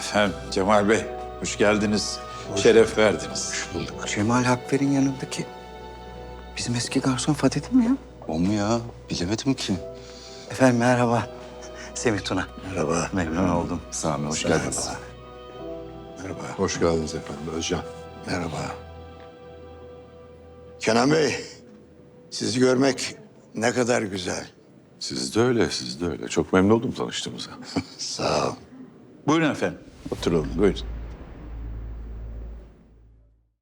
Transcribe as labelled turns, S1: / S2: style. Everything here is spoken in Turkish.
S1: Efendim Cemal Bey, hoş geldiniz. Şeref verdiniz.
S2: Hoş bulduk.
S3: Cemal Hakver'in yanındaki bizim eski garson Fatih değil mi ya?
S2: O mu ya? Bilemedim ki.
S3: Efendim merhaba. Semih Tuna.
S2: Merhaba.
S3: Memnun oldum.
S2: Sami hoş geldiniz.
S4: Merhaba.
S5: Hoş geldiniz efendim Özcan.
S4: Merhaba. Kenan Bey, sizi görmek ne kadar güzel.
S5: Siz de öyle, siz de öyle. Çok memnun oldum tanıştığımıza.
S4: Sağ ol.
S1: Buyurun efendim, oturalım, buyurun.